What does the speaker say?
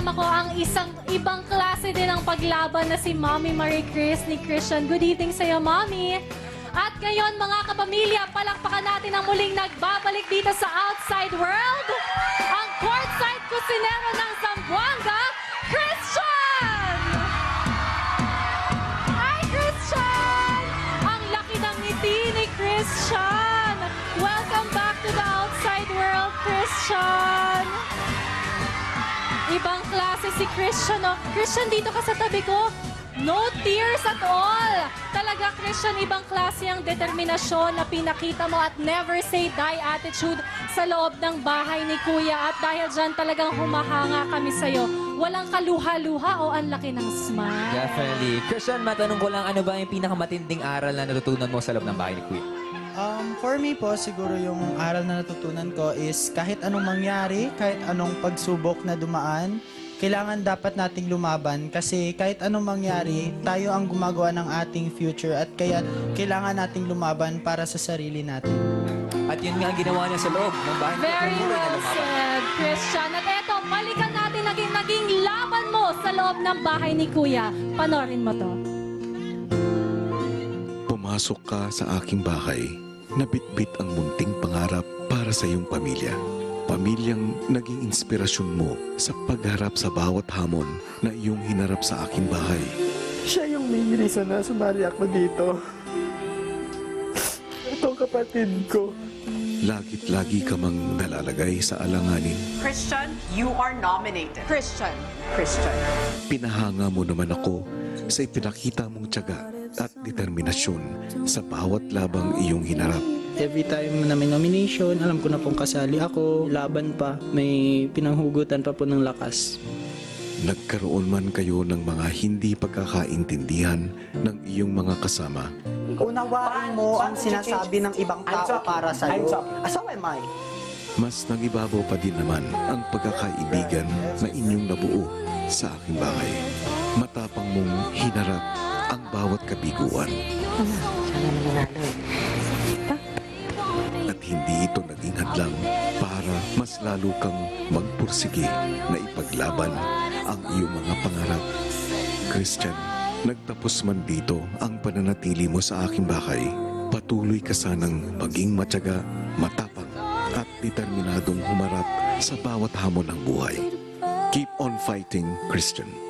kasama ko ang isang ibang klase din ng paglaban na si Mommy Marie Chris ni Christian. Good evening sa'yo, Mommy. At ngayon, mga kapamilya, palakpakan natin ang muling nagbabalik dito sa Outside World, ang courtside kusinero ng Zamboanga, Christian! Hi, Christian! Ang laki ng ngiti ni Christian! Welcome back to the Outside World, Christian! Ibang klase si Christian, oh. Christian, dito ka sa tabi ko. No tears at all. Talaga, Christian, ibang klase ang determinasyon na pinakita mo at never say die attitude sa loob ng bahay ni Kuya. At dahil dyan talagang humahanga kami sa'yo. Walang kaluha-luha o ang laki ng smile. Definitely. Christian, matanong ko lang, ano ba yung pinakamatinding aral na natutunan mo sa loob ng bahay ni Kuya? For me po, siguro yung aral na natutunan ko is kahit anong mangyari, kahit anong pagsubok na dumaan, kailangan dapat nating lumaban kasi kahit anong mangyari, tayo ang gumagawa ng ating future at kaya kailangan nating lumaban para sa sarili natin. At yun nga ang ginawa niya sa loob ng bahay ni Kuya. Very Patuloy na well lumaban. said, Christian. At eto, balikan natin naging laban mo sa loob ng bahay ni Kuya. Panorin mo to. Pumasok ka sa aking bahay, nabitbit ang munting pangarap para sa iyong pamilya. Pamilyang naging inspirasyon mo sa pagharap sa bawat hamon na iyong hinarap sa aking bahay. Siya yung main reason na sumali ako dito. Itong kapatid ko. Lagit-lagi ka mang nalalagay sa alanganin. Christian, you are nominated. Christian. Christian. Pinahanga mo naman ako sa ipinakita mong tiyaga at determinasyon sa bawat labang iyong hinarap. Every time na may nomination, alam ko na pong kasali ako, laban pa, may pinanghugutan pa po ng lakas. Nagkaroon man kayo ng mga hindi pagkakaintindihan ng iyong mga kasama. Unawain mo ang sinasabi ng ibang tao para sa'yo. So am I. Mas nagibabaw pa din naman ang pagkakaibigan na inyong nabuo sa aking bahay. Matapang mong hinarap ang bawat kabiguan. At hindi ito naging hadlang para mas lalo kang magpursige na ipaglaban ang iyong mga pangarap. Christian, nagtapos man dito ang pananatili mo sa aking bahay, patuloy ka sanang maging matyaga, matapang at determinadong humarap sa bawat hamon ng buhay. Keep on fighting, Christian.